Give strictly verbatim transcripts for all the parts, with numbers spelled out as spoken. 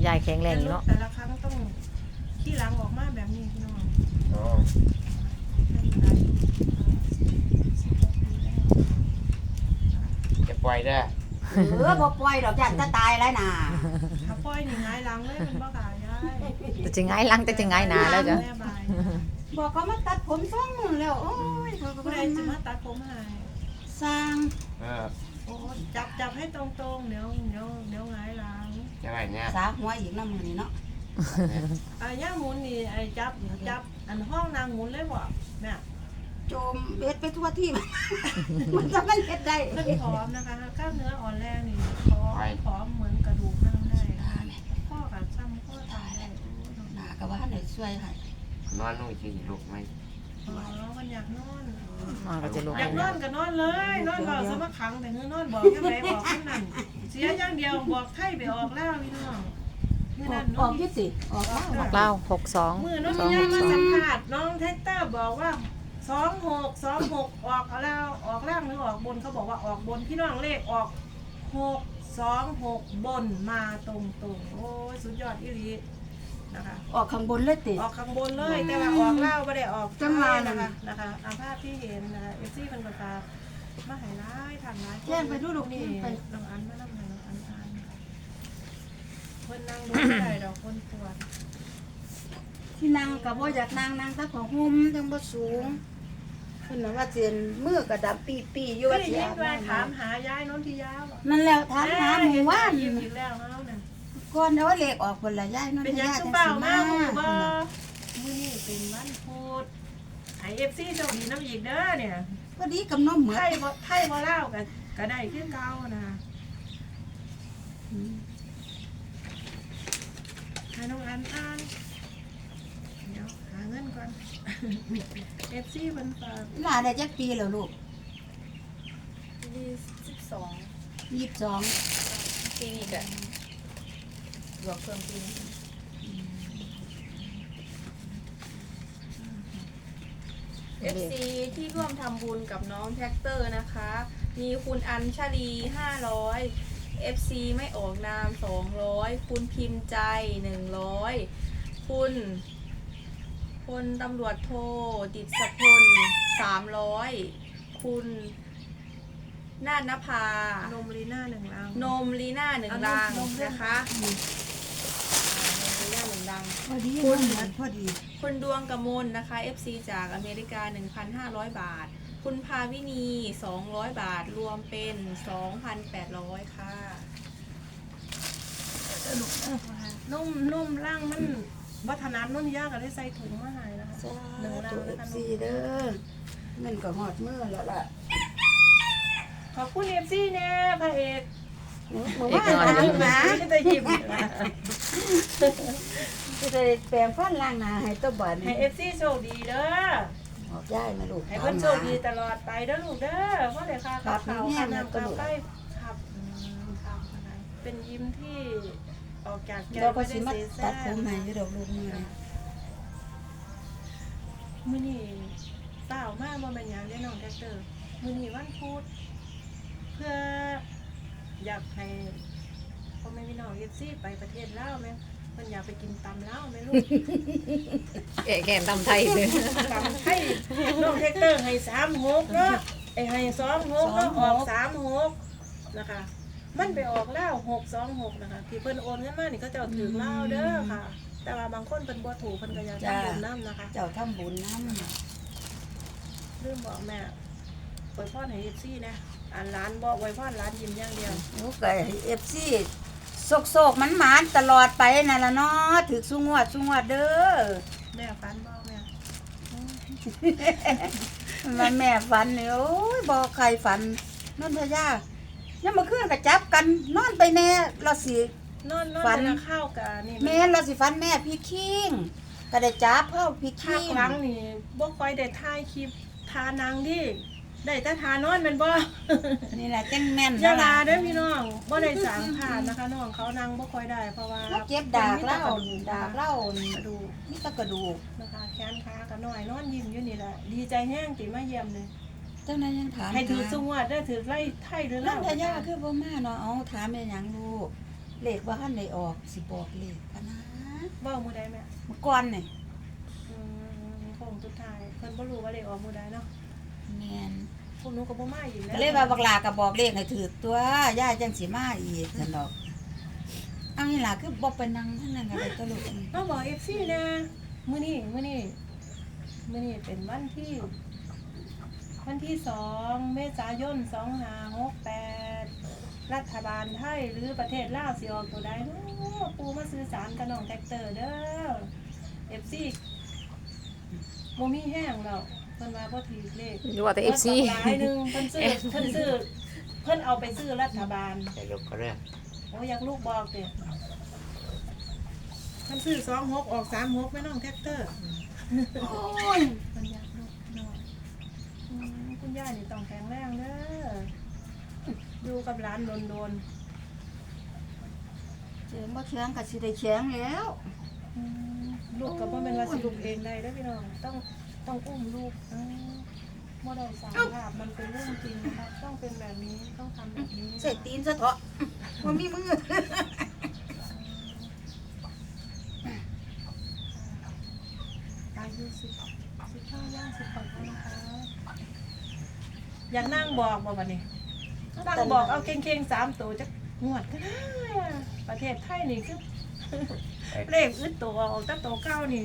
ยายแข็งแรงอยู่เนาะแต่ละครั้งต้องขี้หลังออกมาแบบนี้พี่น้องอ๋อจะปล่อยได้เออบ่ปล่อยดอกจันจะตายแล้วน่ะถ้าปล่อยนี่หงายหลังเลยมันบ่กล้ายายแต่จะไงหลังแต่จะไงหนาแล้วจ้ะบอกเขามาตัดผมซ่องนู่นแล้วโอ้ยเขาก็ผู้บ่ใดได้จะมามาตัดผมให้สร้างเออโอ้จับจับให้ตรงๆเดี๋ยวเดี๋ยวเดี๋ยวหงายหลังจะไรเนี่ยสาหัวอีกน้ำมือนี่เนาะอ่ะย่าหมุนนี่ไอ้จับจับอันห้องนางหมุนเลยบ่แม่โจมเบ็ดไปทั่วที่มันจะมันเฮ็ดได้เพิ่นผอมนะคะกล้ามเนื้ออ่อนแรงนี่ผอมผอมเหมือนกระดูกนั่งได้ข้อกับซ้ำข้อตายได้หน้าก็ว่าให้ช่วยให้นอนนู่นสิลูกไหมอ๋อมันอยากนอนนอนก็จะลุกอยากนอนก็นอนเลยนอนบอกสมัครขังแต่เงือนอนบอกแค่ไหนบอกแค่นั้นเสียอย่างเดียวบอกไข้ไปออกแล้วพี่น้องเมื่อนั้นออกยี่สิออกแล้วออกเล่าหกสองเมื่อน้องสองยาหยกมาสองสัมผัสน้องเทสเตอร์บอกว่าสองหกสองหกออกแล้วออกล่างหรือออกบนเขาบอกว่าออกบนพี่น้องเลขออกหกสองหกบนมาตรงตรงโอ้ยสุดยอดอีหลีนะคะออกข้างบนเลยติออกข้างบนเลยแต่ว่าออกเล่าไม่ได้ออกจังหวะนะคะนะคะอาภาพที่เห็นนะคะเอฟซีเป็นกตามาหายร้ายทางร้ายแจ้งไปดูลูกนี่ไปน้องอันมาน้องน้องอันอันเพิ่นนั่งดูได้ดอกคนปวดที่นั่งก็บ่อยากนั่งนั่งแต่ของห่มจังบ่สูงเพิ่นน่ะว่าเสียนมือก็ดำปีๆอยู่ว่าสิอาบน้ำถามหายายนนทิยานั่นแล้วถามหาหมู่บ้านยิ้มอีกแล้วเนาะนั่นก่อนเอาเลขออกคนละยายนนเป็นยังคือเปล่ามามื้อบ่มื้อนี้เป็นวันพุธไอ เอฟ ซี เจ้าดีน้ำอีกเด้อเนี่ยพอดีกับน้องเหมือนไทยบ่ไทยบ่ลาวก็ก็ได้คือเก่านะให้น้องอันอ่านเดี๋ยวหาเงินก่อน เอฟ ซี เพิ่นฝากหลานได้จักปีแล้วลูกยี่สิบสองยี่สิบสองปีนี้ก็บวกเพิ่มปีนี้เอฟซีที่ร่วมทำบุญกับน้องแท็กเตอร์นะคะ มีคุณอัญชลีห้าร้อย เอฟ ซี ไม่ออกนามสองร้อยคุณพิมพ์ใจหนึ่งร้อยคุณพลตำรวจโทดิษพลสามร้อยคุณนาฏนภานมลีน่าหนึ่งลังนมลีน่าหนึ่งลังนะคะนมลีน่าหนึ่งลังพอดีคุณพอดีคุณดวงกมลนะคะ เอฟ ซี จากอเมริกา หนึ่งพันห้าร้อย บาทคุณภาวินีสองร้อยบาทรวมเป็น สองพันแปดร้อย ค่ะนุ่มนุ่มล่างมันวัฒนธรรมนุ่นยากก็ได้ใส่ถุงมาให้นะคะหนึ่งลังเอฟซีเด้อเงินก็หอดมือแล้วล่ะขอบคุณเอฟซีเนี่ยพระเอกหมู่บ้านล้างหนาจะหยิบจะได้แปลงฟันล้างหนาให้ตัวบ่อนให้เอฟซีโชคดีเด้อออกย้ายมาลูกให้เพิ่นโชคดีตลอดไปเด้อลูกเด้อเพราะเดี๋ยวค่ะขับเขาขับน้ำขับใกล้ขับขับอะไรเป็นยิ้มที่ออกจากแก้วไม่ได้เสียแซ่ตัดผมใหม่อยู่ดอกลูกมือมื้อนี้เปล่ามากบ่แม่นหยังได้น้องแท็กเตอร์มื้อนี้วันพุธเพื่ออยากให้พ่อแม่พี่น้องเอฟซีไปประเทศลาวแม่มันอยากไปกินตำลาวแม่ลูกแก่แก่ตำไทยเลยตำไทยน้องแท็กเตอร์ให้สามหกเนาะไอ้ให้สองหกเนาะออกสามหกนะคะมันไปออกแล้วหกสองหกนะคะที่เพิ่นโอนเงินมานี่ก็เจ้าถือลาวเด้อค่ะแต่ว่าบางคนเพิ่นบ่ถูกเพิ่นก็อยากทำบุญน้ำนะคะเจ้าทำบุญน้ำลืมบอกแม่อวยพรให้ เอฟ ซี นะอันร้านบอกอวยพรร้านยิ้มอย่างเดียวโอ้ก็ เอฟ ซี โศกๆมันหมานตลอดไปนั่นล่ะเนาะถึกสุงวดสุงวดเด้อแม่ฝันบ่แม่มันแม่ฝันนี่โอ้ยบ่ใครฝันนนทยายังมาคืนก็จับกันนอนไปแน่เราสินอนนอนจะข้าวกะนี่แม่เราสิฝันแม่พี่คิงก็ได้จับเฮาพี่คิงครั้งนี่บ่ค่อยได้ถ่ายคลิปทานางดิได้แต่ทานอนแม่นบ่นี่แหละจังแม่นอย่าลาเด้อพี่น้องบ่ได้สางผ่านนะคะน้องเขานั่งบ่ค่อยได้เพราะว่าเก็บดากเล่าดากเล่ากระดูกมีแต่กระดูกนะคะแขนขาก็น้อยนอนยิ้มอยู่นี่แหละดีใจแห้งติมาเยี่ยมเลยเจ้านายยังถามให้ถือสุงวดได้ถือไล่ไทยหรือไล่นนทยาคือบ่มาเนาะเอาถามเป็นหยังลูกเลขว่าท่านได้ออกสิบอกเลขกันนะเว้ามื้อใดแม่เมื่อก่อนนี่อืมคงสุดท้ายเพิ่นบ่รู้ว่าเลขออกมื้อใดเนาะแม่นพวกหนูก็บ่มาอีกแล้วก็เลยว่าบักลาก็บอกเลขให้ถือตัวย่าจังสิมาอีกซั่นดอกเอานี่ล่ะคือบ่ไปนั่งทั้งนั้นก็ได้ตลกมาบอก เอฟ ซี นะมื้อนี้มื้อนี้มื้อนี้เป็นวันที่ วันที่สองเมษายนสองห้าหกแปดรัฐบาลไทยหรือประเทศลาวสิออกตัวใดเนาะปูมาซื้อสารกับน้องแท็กเตอร์เด้อ เอฟ ซี บ่มีแห้งแล้วเพิ่นว่าบ่ถือเลขหรือว่าแต่ เอฟ ซีหลายหนึงเพิ่นซื้อเพิ่นซื้อเพิ่นเอาไปซื้อรัฐบาลจะยกก็เรื่องโอ้อยากลูกบอกเด้เพิ่นซื้อสองหกออกสามหกแม่น้องแท็กเตอร์โอ้ยเพิ่นอยากลูกน้อยอืมคุณย่านี่ต้องแข็งแรงเด้ออยู่กับหลานโดนเสียงบ่แข็งก็สิได้แข็งแล้วๆอืมลูกก็บ่แม่นว่าสิลูกเองได้เด้อพี่น้องต้องต้องอุ้มลูกอืมบ่ได้สร้างภาพมันเป็นเรื่องจริงนะครับต้องเป็นแบบนี้ต้องทำแบบนี้ใส่ตีนซะเถาะบ่มีมืออายุสิบสิบห้าย่างสิบหกแล้วนะคะอยากนั่งบอกบ่บัดนี้นั่งบอกเอาเก่งๆสามตัวจักงวดก็ได้อะประเทศไทยนี่คือ เลขอึดตัวออกแต่ตัวเก้านี่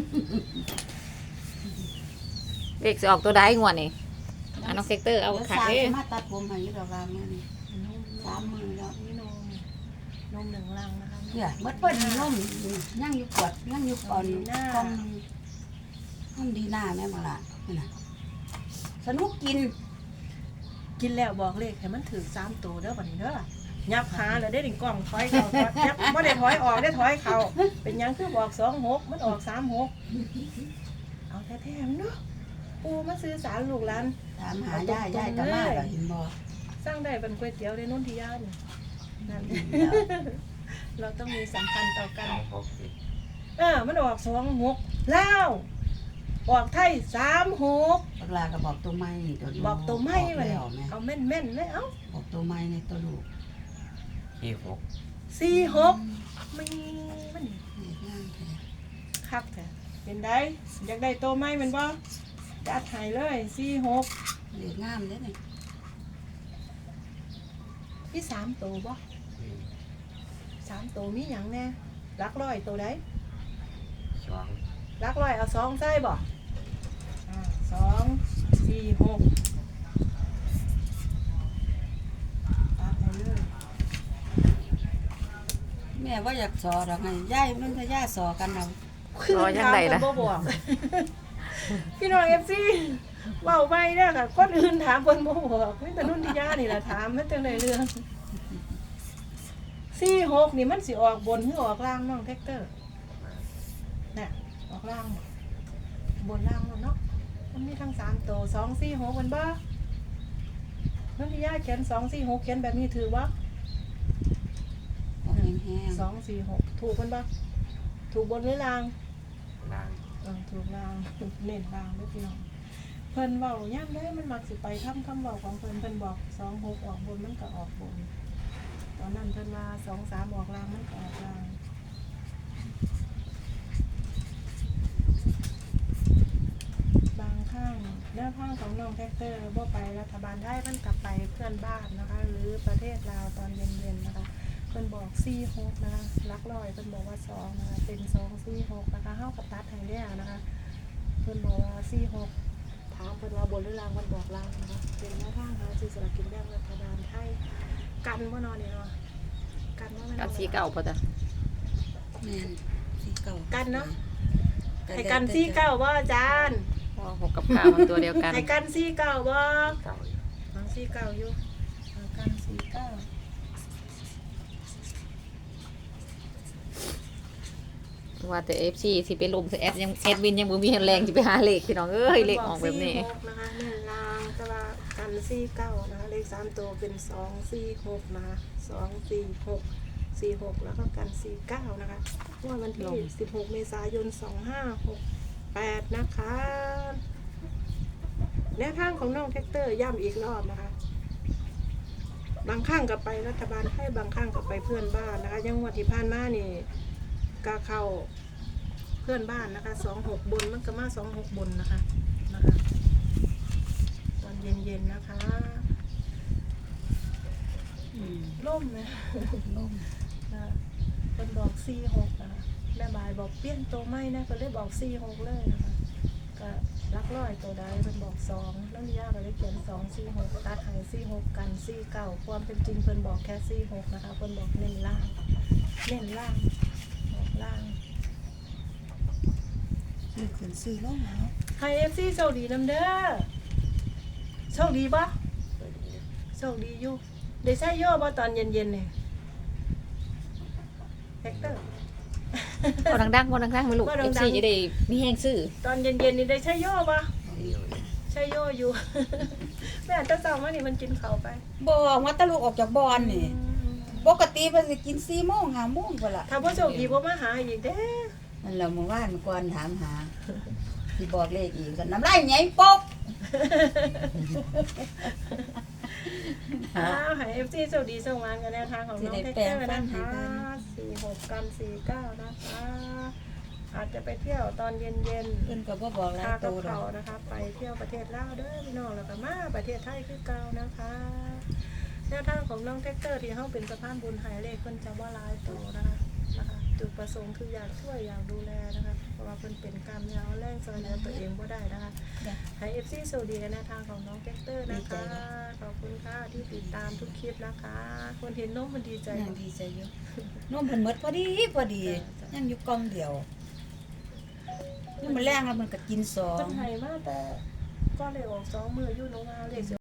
เลขสิออกตัวใดงวดนี่อ่ะน้องเซกเตอร์เอาดี๋ยวขาดสร้างเด้อสิมาตัดผมให้ดอกว่ามื้อนี้นมสามมื้อแล้วนี่นมนมหนึ่งลังนะคะเนี่ยเบิดเพิ่นนมยังอยู่กวดยังอยู่ก่อนกล่องนมดีหน้าแม่บ่ล่ะนี่น่ะสนุกกินกินแล้วบอกเลขให้มันถือสามตัวเด้อบัดนี้เด้อยับหาแล้วได้ถึงกล่องถอยเขาถอยยับไม่ได้ถอยออกได้ถอยเขาเป็นหยังคือบอกสองหกมันออกสามหกเอาแท้ๆมันเนาะปูมาซื้อสารลูกหลานถามหาย่าย่ายก็มาแล้วเห็นบ่สร้างได้เป็นก๋วยเตี๋ยวในนุ่นที่ย่านนั่น เราต้องมีสัมพันธ์ต่อกันสองหกสิเออมันออกสองหกแล้วออกไทยสามหกบักลาก็บอกตัวใหม่ตัวลูบอกตัวไม่มาแล้เนี่ยวแม่เอาแม่นแม่นๆเลยเอ้าบอกตัวใหม่ในตัวลูกที่หกสี่หกไม่มันนี่นี่งามแท้คักแท้เป็นได้อยากได้ตัวไม่เป็นบ่จัดให้เลยสี่หกเลขงามเด้อนี่พี่สามตัวบ่อืมสามตัวมีหยังแน่รักร้อยตัวใดสองรักร้อยเอาสองใส่บ่อ่าสองสี่หกตัดให้เลยแม่ว่าอยากสอดอกไงย่ายมันจะย่าสอกันเอารอยังไงล่ะบ่บอก พี่น้องเอฟซีเว้าไปเด้อค่ะคนอื่นถามเพิ่นบ่บอกมีแต่นุ่นที่ย่านี่ล่ะถามมันจังได๋เรื่องสี่หกนี่มันสิออกบนหรือออกล่างน้องแท็กเตอร์น่ะออกล่างบนล่างเนาะมันมีทั้งสามตัวสองสี่หกมันบ่นุ่นที่ย่าเขียนสองสี่หกเขียนแบบนี้ถือบ่เอาแห้งสองสี่หกถูกมันบ่ถูกบนหรือล่างล่างเออถูกลางเน้นลางด้วยพี่น้องเพิ่นเว้าย่ำได้มันมักสิไปทำคำเว้าของเพิ่นเพิ่นบอกสองหกออกบนมันก็ออกบนตอนนั้นเพิ่นว่าสองสามออกลางมันก็ออกลางบางข้างแนวทางของน้องแท็กเตอร์บ่ไปรัฐบาลไทยมันกลับไปเพื่อนบ้านนะคะ หรือประเทศลาวตอนเย็นๆนะคะเพิ่นบอกสี่หกนะคะลักลอยเพิ่นบอกว่าสองนะคะเป็นสองสี่หกนะคะเฮากับตัดให้แล้วนะคะ เพิ่นบอกว่าสี่หกถามเพิ่นว่าบนหรือล่างมันบอกล่างนะคะเป็นแนวทางหาซื้อสลากกินแบ่งรัฐบาลไทยกันบ่นอนนี่เนาะกันบ่แม่นกับสีเก่าพอจ้ะแม่นสีเก่ากันเนาะให้กันสี่เก้าบ่อาจารย์เพราะว่าหกกับเก้ามันตัวเดียวกันให้กันสี่เก้าบ่เก่าอยู่เอาสี่เก้าอยู่เอากันสี่เก้าว่าแต่ เอฟ ซี สิไปลมแอดยังแอดวินยังบ่มีแรงสิไปหาเลขพี่น้องเอ้ยเลขออกแบบนี้สี่หกนะคะเน้นล่างแต่ว่ากันสี่เก้านะคะเลขสามตัวเป็นสองสี่หกนะคะสองสี่หกสี่หกแล้วก็กันสี่เก้านะคะเมื่อวันที่สิบหกเมษายนสองห้าหกแปดนะคะแนวทางของน้องแท็กเตอร์ย้ำอีกรอบนะคะบางครั้งก็ไปรัฐบาลไทยบางครั้งก็ไปเพื่อนบ้านนะคะยังงวดที่ผ่านมานี่ก็เข้าเพื่อนบ้านนะคะสองหกบนมันก็มาสองหกบนนะคะนะคะตอนเย็นๆนะคะอืมล่มนะล่มนะคนบอกสี่หกนะคะแม่บายบอกเปลี่ยนตัวไม่นะก็เลยบอกสี่หกเลยนะคะก็รักร้อยตัวใดเป็นบอกสองแล้วยากก็เลยเขียนสองสี่หกตัดหายสี่หกกันสี่เก้าความเป็นจริงเพิ่นบอกแค่สี่หกนะคะเพิ่นบอกเน้นล่างเน้นล่างบอกล่างซื้อขึ้นซื้อลงเอาไฮเอฟซีโชคดีน้ำเด้อโชคดีปะโชคดีอยู่ได้ใช้โย่ปะตอนเย็นๆเนี่ยแฮกเตอร์บ่ดังๆบ่ดังๆไม่ลูกบ่ดังๆเอฟซีจะได้มีแฮงซื้อตอนเย็นๆนี่ได้ใช้โย่ปะใช้โย่อยู่ แม่ตาเต่ามานี่มันกินเขาไปบ่ว่าตะลูกออกจากบ่อนนี่ปกติเพิ่นสิกินสี่โมงห้าโมงพุ่นล่ะถ้าพ่อโชคดีพ่อมาหาอีกเด้นั่นแหละเมื่อวานก่อนถามหาสิบอกเลขอีกก็น้ำลายใหญ่ปกอ้าวหายเอฟซีโชคดีโชคมันกันแนวทางของน้องแท็กเตอร์นะคะสี่หกกันสี่เก้านะคะ อาจจะไปเที่ยวตอนเย็นเพิ่นก็บ่บอกหลายๆค่าตักับวดอเขากนะคะ ไปเที่ยวประเทศลาวเด้อพี่น้องแล้วก็มาประเทศไทยคือเก่านะคะ แนวทางของน้องแท็กเตอร์ที่เขาเป็นสะพานบุญหายเลขเพิ่นจะว่าลายโตนะคะนะคะ จุดประสงค์คืออยากช่วยอยากดูแลนะคะ เพราะว่าเพิ่นเป็นกล้ามเนื้อแรงซอยเหลือตัวเองบ่ได้นะคะให้เอฟซีสวัสดีในแนวทางของน้องแท็กเตอร์นะคะขอบคุณค่ะที่ติดตามทุกคลิปนะคะ คนเห็นน้องมันดีใจยังดีใจอยู่นมเพิ่นหมดพอดีพอดียังอยู่กล่องเดียวนี่มันแรงแล้วมันก็กินสองเพิ่นให้มาแต่ก็เลยออกสองมืออยู่น้องมาเลข